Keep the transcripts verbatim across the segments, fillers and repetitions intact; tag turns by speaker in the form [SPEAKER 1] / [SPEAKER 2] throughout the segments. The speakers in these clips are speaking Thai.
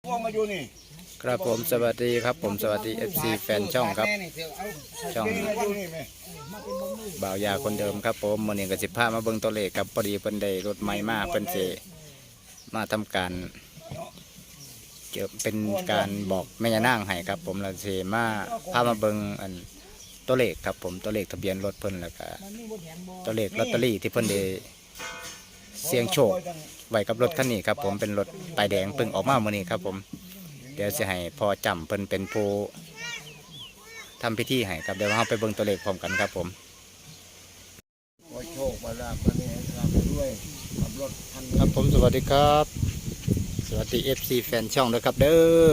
[SPEAKER 1] ครับผมสวัสดีครับผมสวัสดี เอฟ ซี แฟนช่องครับช่องบ่าวยาคนเดิมครับผมมื้อนี้ก็สิพามาเบิ่งตัวเลขครับพอดีเพิ่นได้รถใหม่มาเพิ่นสิมาทำการเกี่ยวเป็นการบอกแม่ย่านางให้ครับผมเราสิมาพามาเบิ่งอันตัวเลขครับผมตัวเลขทะเบียนรถเพิ่นแล้วก็ตัวเลขลอตเตอรี่ที่เพิ่นได้เสี่ยงโชคไว้กับรถคันนี้ครับผมเป็นรถป้ายแดงเพิ่งออกมามื้อนี้ครับผมเดี๋ยวจะให้พอจำเพิ่นเป็นผู้ทำพิธีให้ครับเดี๋ยวเราไปเบิ่งตัวเลขพร้อมกันครับผมโชคมาลาบมาเนี่ยรับด้วยขับรถคันครับผมสวัสดีครับสวัสดี เอฟ ซี แฟนช่องด้วยครับเด้อ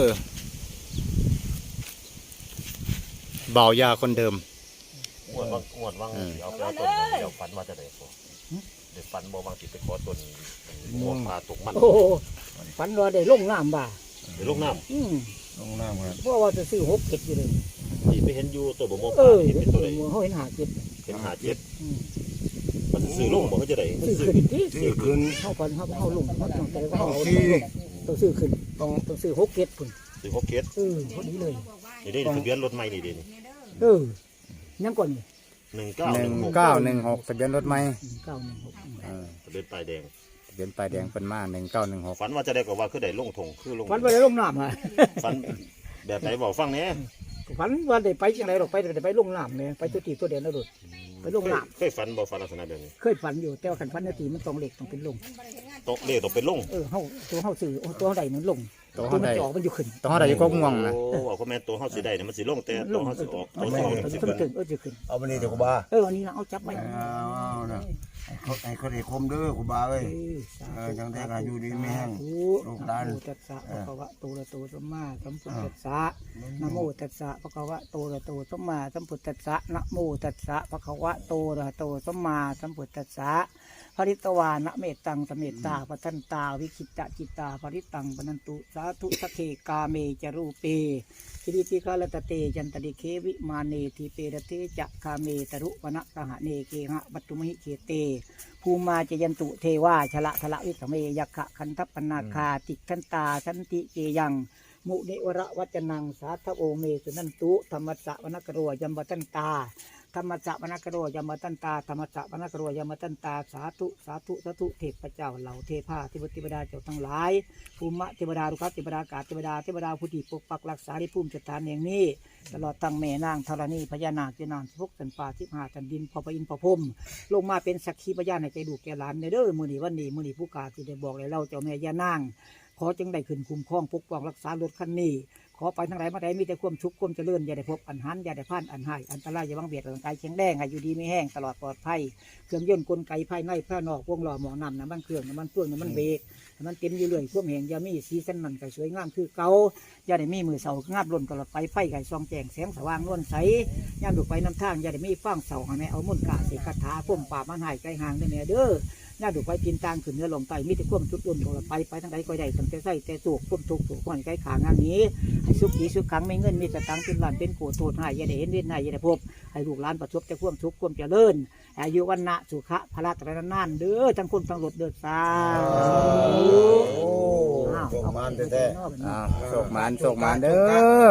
[SPEAKER 1] บ่าวยาคนเดิม
[SPEAKER 2] งวดว่างงวดว่างเอาไปเอาต้นเดี๋ยวฝันว่าจะได้พอเดี๋ยวฝันบ่บางทีไปขอต้นงวดปลาตกมัน
[SPEAKER 3] โอ้ฝันว่าได้ลงน้ำบ่า
[SPEAKER 2] เดี๋ยวลงน้
[SPEAKER 3] ำอืม
[SPEAKER 1] ลงน้ำครับ
[SPEAKER 3] เพราะว่าจะซื้อหกเจ็ดอยู่เลย
[SPEAKER 2] ที่ไปเห็นอยู่ตัวบ่มป
[SPEAKER 3] เอ
[SPEAKER 2] ลา
[SPEAKER 3] อ
[SPEAKER 2] ที่เป็นตัวใด
[SPEAKER 3] เขาเห็นหาเจ็ด
[SPEAKER 2] เห็นหาเจ็ดมันซื้อลงบ่เขาจะได้
[SPEAKER 3] ซื้อขึ้นที่ซื้อขึ้นเข้าก่อนเข้าเข้าลงเขาต้องแต่ว่าเขาต้องซื้อขึ้นต้องต้องซื้อหกเจ็ดพุ่น
[SPEAKER 2] ซื้อหกเจ็ด
[SPEAKER 3] เออพอดีเลย
[SPEAKER 2] นี่ได้ทะเบียนรถใหม่นี่ดิ
[SPEAKER 3] เออยังก่อน
[SPEAKER 2] หนึ่งเก้า
[SPEAKER 1] หนึ่งเก้าหนึ่งหกทะเบียนรถไหม
[SPEAKER 3] เก้าหนึ่งหก
[SPEAKER 2] ทะเบียนป้ายแดง
[SPEAKER 1] ทะเบียนป้ายแดงเป็นมาหนึ่งเก้าหนึ่งหก
[SPEAKER 2] ฝันว่าจะได้ก็ว่าคือได้ลงทงคือลง
[SPEAKER 3] ฝันว่าได้ลงน้ำอ่ะ
[SPEAKER 2] ฝันแบบไหนบอกฟังเนี่ย
[SPEAKER 3] ฝันว่าได้ไปจังไรหรอกไปได้ไปลงน้ำเนี่ยไปตัวตีตัวเดียวนะดุดไปลงน้
[SPEAKER 2] ำเคยฝันบอกฝันลักษณะแบบนี้
[SPEAKER 3] เคยฝันอยู่แต่ว่าขันฝันนาทีมันต้องเหล็กต้องเป็นลง
[SPEAKER 2] ตกเลขต้องเป็นลง
[SPEAKER 3] เออเขาตัวเขาสื่อตัวเขาใดนั้นลงตัวมันจ่อมันอยู่ขึ้น
[SPEAKER 1] ตัวเขาใดอยู่ก็ง่วงนะ
[SPEAKER 2] โอ้เอาคอมเมนต์ตัวเขาสีได้เนี่ยมันสีลงแต่ตัวเขาสีออกตัวเขาสี
[SPEAKER 3] ขึ้นเออจะขึ้น
[SPEAKER 4] เอาไปนี่เดี๋ยวกูบา
[SPEAKER 3] เออวันนี้นะเอาจับไป
[SPEAKER 4] เอาเนาะไอ้คนไอ้คมเด้อกูบาเอ้ยเออจังได้กันอยู่ดีไม่แห้งลูกหลาน
[SPEAKER 3] ตัสสะภะคะวะโตระโตสัมมาสัมพุทธัสสะนะโมตัสสะภะคะวะโตระโตสัมมาสัมพุทธัสสะนะโมตัสสะภะคะวะโตระโตสัมมาสัมพุทธัสสะภริตวานะเมตังสเมตตาปทันตาวิคิตะจิตตาภริตังปนันตุสาธุสักเคกาเมจรูเปคิริติกาลตเตจันตริเควิมาเนทีเปรเตจะคาเมตรุวนะตหะเนเกหะปัตตุมหิเคเตภูมาจยันตุเทวาชละทละวิสเมยักขะคันทัปปนาคาติคันตาสันติเกยังมุเนวระวัจนังสาธโอเมสุนันตุธรรมสะวนกโรยัมบตันตาธรรมจักรวนกโรยมตันตาธรรมจักรวนกโรยมตันตาสาธุสาธุสาธุเทพเจ้าเหล่าเทพาเทวติบดาเจ้าทั้งหลายภูมิเทวดารุกเทวดากาศเทวดาเทวดาผู้ที่ปกปักรักษาที่ภูมิสถานแห่งนี้ตลอดตั้งแม่นางธรณีพญานาคเจนานพกสันป่าทิพหาจันดินพอพระอินทร์พระพรหมลงมาเป็นสักขีพยานในใจดูแก่หลานในเด้อมือนี้วันนี้มือนี้ผู้กาที่ได้บอกเลยเล่าเจ้าแม่ย่านางขอจึงได้ขึ้นคุ้มครองปกป้องรักษารถคันนี้ขอไปทั้งหลายมาได้มีแต่ความชุกความเจริญอย่าได้พบอันหันอย่าได้พลาดอันหายอันตรายอย่าบังเบียดร่างกายแข็งแรงให้อยู่ดีไม่แห้งตลอดปลอดภัยเครื่องยนต์กลไกภายในภายนอกวงล้อหมอนำน้ำมันเครื่องน้ำมันเฟื่องน้ำมันเบรกมันเต็มอยู่เลยพวกแห่งยามีสีสันมันไก่สวยงามคือเก่าอย่าได้มีมือเสางาบล้นตลอดไปไฟไก่ซองแจงแสงสว่างล้นใสย่ามดูไปน้ำทางอย่าได้มีฟังเสาให้แม่เอามุ่นกาเสกคาถาพุ่มป่ามันหายไกลห่างได้แม่เด้อย่าดูไปกินตางขึ้นเนื้อลงไตมีแต่ความชุดอุ่นตลอดไปไปทั้งใดก็ได้ตั้งแต่ใส่แต่สูกพุ่มทุกสูกคนไก่ขางานนี้ให้สุขีสุขขังไม่เงินมีแต่ตังเป็นหลานเป็นโกโทษให้อย่าได้เห็นเว้นให้อย่าได้พบให้ลูกหลานประสบแต่ความทุกข์ความเจริญอายุวันนะสุขะพละตระนานเด้อทั้งคนทั้งรถเด้อสา
[SPEAKER 4] โชคมันแท้
[SPEAKER 1] ๆโชคมันโชคมันเด้อ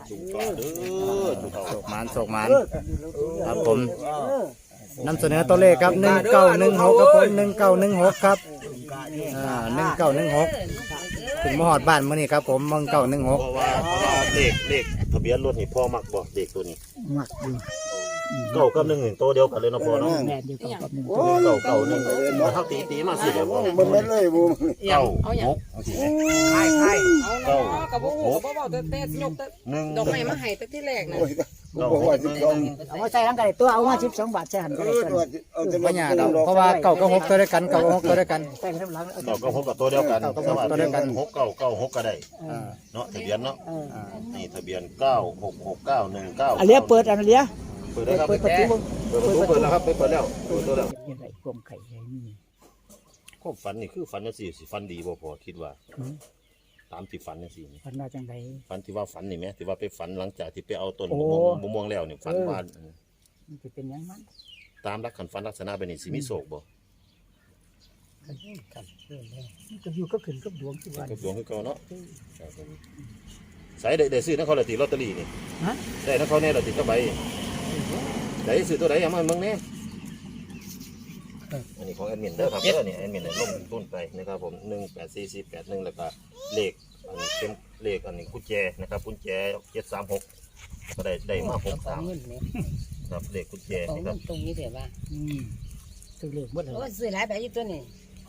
[SPEAKER 1] โชคมันโชคมันครับผมนำเสนอตัวเลขครับหนึ่งเก้าหนึ่งหกครับผมหนึ่งเก้าหนึ่งหกครับอ่าหนึ่งเก้าหนึ่งหกถึงมหอดบ้านมื่อนี้ครับผมหนึ่งเก้าหนึ่งหก
[SPEAKER 2] เพราะว่าเพราะว่าเลขเลขทะเบียนรถนี่พ่อมักบอกเลขตัวนี้
[SPEAKER 3] มักอยู่
[SPEAKER 2] เก้ากับหนึ่งหนึ่งตัวเดียวกันเลยนะพ่อเนาะ
[SPEAKER 3] แม่เดียวกับหนึ่ง
[SPEAKER 2] เก้าเก้าหนึ่งมาเท่าตีตีมาสิเดี๋ยวบอก
[SPEAKER 4] มันไม่เลยบูม
[SPEAKER 2] เก้าหก
[SPEAKER 3] ใช่ใช่
[SPEAKER 2] เก้า
[SPEAKER 5] กับบุกบุกบ่เตะเตะยกหนึ่งดอกไม้มาให้ตั้งที่แรกนะ
[SPEAKER 4] บอกว่าสิบสอง
[SPEAKER 3] เอามาใส่ร่างกายตัวเอามาสิบสองบาทใช่หันก็ได้
[SPEAKER 1] ปัญญาเพราะว่าเก่าก็หกตัวด้วยกันเก่าก็หกตัวด้วยกัน
[SPEAKER 3] ใส่ข้างหลัง
[SPEAKER 2] เก้าก็หกกับตัวเดียวกันสวัสดีกันหกเก้าเก้าหกก็ได้เนาะทะเบียนเนาะนี่ทะเบียนเก้าหกหกเก้าหนึ่งเก้า
[SPEAKER 3] อันเลี้ยเปิดอันเลี้ย
[SPEAKER 2] เปิดแล้วครับ
[SPEAKER 3] เปิดประตู
[SPEAKER 2] เปิดประตูเปิดแล้วครับเปิดแล้วเปิดตัวแล้ว
[SPEAKER 3] ยังไงกลมไข่ใหญ่นี่
[SPEAKER 2] ก็ฝันนี่คือฝันนั่นสิสิฝันดีบ่พอคิดว่าตามที่ฝันนั่นสิ
[SPEAKER 3] ฝันว่าจังได
[SPEAKER 2] ฝันที่ว่าฝันนี่ไหมที่ว่าไปฝันหลังจากที่ไปเอาต้นมะม่วงแล้วเนี่ยฝันว่า
[SPEAKER 3] มันจะเป็นยังมัน
[SPEAKER 2] ตามรักขันฝันลักษณะเป็นนี่สิมีโศกบ่
[SPEAKER 3] มันก็อยู่ก็ขึ้นกับดวงที่วัน
[SPEAKER 2] กับดวงคือเก่าเนาะใส่ได้ได้ซื้อนักเขาละติลอตเตอรี่นี่
[SPEAKER 3] ฮะ
[SPEAKER 2] ได้นักเขาแน่ละติก็ใบได้ซื้อตัวไหนเอามาเมืองแน่อันนี้ของแอดมินเด้อครับเด้อนี่แอดมินได้ลงทุนไปนะครับผมหนึ่งแปดสี่สี่แปดหนึ่งแล้วก็เลขอันนี้เป็นเลขอันนี้กุญแจนะครับกุญแจเจ็ดสามหกก็ได้ได้มาหกสาม
[SPEAKER 5] เงินเนี่ย
[SPEAKER 2] ครับเลขกุญแจ
[SPEAKER 5] ของ
[SPEAKER 2] นะค
[SPEAKER 5] เงิ
[SPEAKER 2] รับ
[SPEAKER 5] นตรงนี้เดี๋ยวว่า
[SPEAKER 3] อืมตัวเลขหมดเลย
[SPEAKER 5] โอ้ซื้อหลายใบอยู่ตัวนี้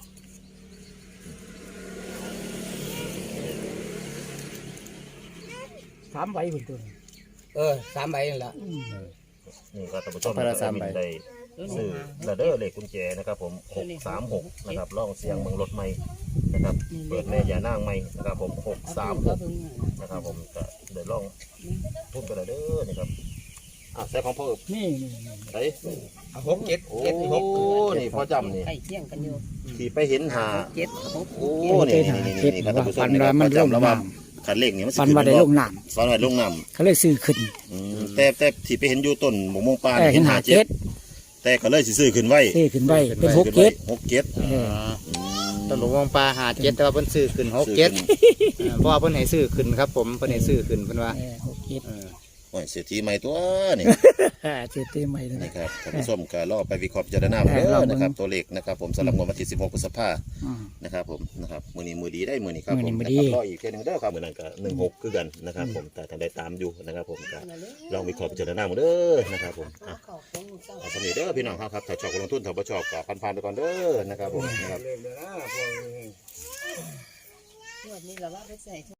[SPEAKER 3] สามใบคนตัวนี้
[SPEAKER 5] เออสามใบนั่นแหละ
[SPEAKER 3] อืม
[SPEAKER 2] นี่ครับท่านผู้ชมแอดมินได้ซื้อระเด้อเลขกุญแจนะครับผมหกสามหกนะครับล่องเสียงเมืองรถใหม่นะครับเปิดแม่ยานางใหม่นะครับผมหกสามหกนะครับผมจะเดินล่องทุ่มกันเด้อนี่ครับอ่ะใส่ของพ่อ
[SPEAKER 3] นี่นี่นี่
[SPEAKER 2] ใส่
[SPEAKER 5] หกเจ็ด
[SPEAKER 2] โอ้นี่พ่อจำนี่
[SPEAKER 5] ใกล้เคียงกันอยู่
[SPEAKER 2] ที่ไปเห็นหา
[SPEAKER 5] เจ็ดหก
[SPEAKER 2] โอ้นี่นี่นี่นี่ครับท่านผู้ชมนี่ครับพ่อจำแล้วว่าขันเลขนี่มัน
[SPEAKER 3] ฟันว่าได้ลงน้
[SPEAKER 2] ฟันว่าลงน้
[SPEAKER 3] ำเขาเลยซื้อขึ้น
[SPEAKER 2] ำอืมแต่แต่ที่ไปเห็นอยู่ต้นหมกมงปลา
[SPEAKER 3] แต่
[SPEAKER 2] นี่
[SPEAKER 3] เห็
[SPEAKER 2] เห็
[SPEAKER 3] น
[SPEAKER 2] น
[SPEAKER 3] หา
[SPEAKER 2] หา
[SPEAKER 3] เจ็
[SPEAKER 2] เจ็
[SPEAKER 3] ด
[SPEAKER 2] ดแต่ก็เลยสิซื้อขึ้นไว้
[SPEAKER 3] ซื้อขึ้นไว้เป็นหกเจ็ด
[SPEAKER 2] หกเจ็ด
[SPEAKER 3] เออ
[SPEAKER 1] ตลกวงปลาหาเจ็ดแต่ว่าเพิ่นซื้อขึ้นหกเจ็ดเออเพราะว่าเพิ่นให้ซื้อขึ้นครับผมเพิ่นให้ซื้อขึ้นเพิ่นว่า
[SPEAKER 3] เออหกเจ็ด
[SPEAKER 1] เออ
[SPEAKER 2] โอ้ยเศรษฐีใหม่ตัวนี่
[SPEAKER 3] เจ็ดเต็มใหม่เลย
[SPEAKER 2] นี่
[SPEAKER 3] นะครับ
[SPEAKER 2] ท่านผู้ชมก็รอไปวิเคราะห์พิจารณา
[SPEAKER 3] เออ
[SPEAKER 2] เด้
[SPEAKER 3] ลอง
[SPEAKER 2] อ
[SPEAKER 3] เบิ่ง
[SPEAKER 2] นะครับตัวเลขนะครับผมสำหรับงวดวันที่สิบหกพฤษภา
[SPEAKER 3] อืม
[SPEAKER 2] นะครับผมนะครับมือนี้มือดีได้มือนี้ครับ
[SPEAKER 3] มื้
[SPEAKER 2] ผ
[SPEAKER 3] อ
[SPEAKER 2] ม
[SPEAKER 3] นี้มื้อดี
[SPEAKER 2] นะครับรออีกเพียงหนึ่งเด้อครับมือนั้นก็หนึ่งหกคือกันนะครับผมแต่ท่านได้ตามอยู่นะครับผมก็ลองวิเคราะห์พิจารณาหมดเด้อนะครับผมอ่ะเอาสำนีเด้อพี่น้องครับครับถ้าชอบก็ลงทุนถ้าบ่ชอบก็ผ่านๆไปก่อนเด้อนะครับผมนะครับ
[SPEAKER 4] เลขเด้อนะพวกนี้
[SPEAKER 5] งวดนี้เราว่าไปใส่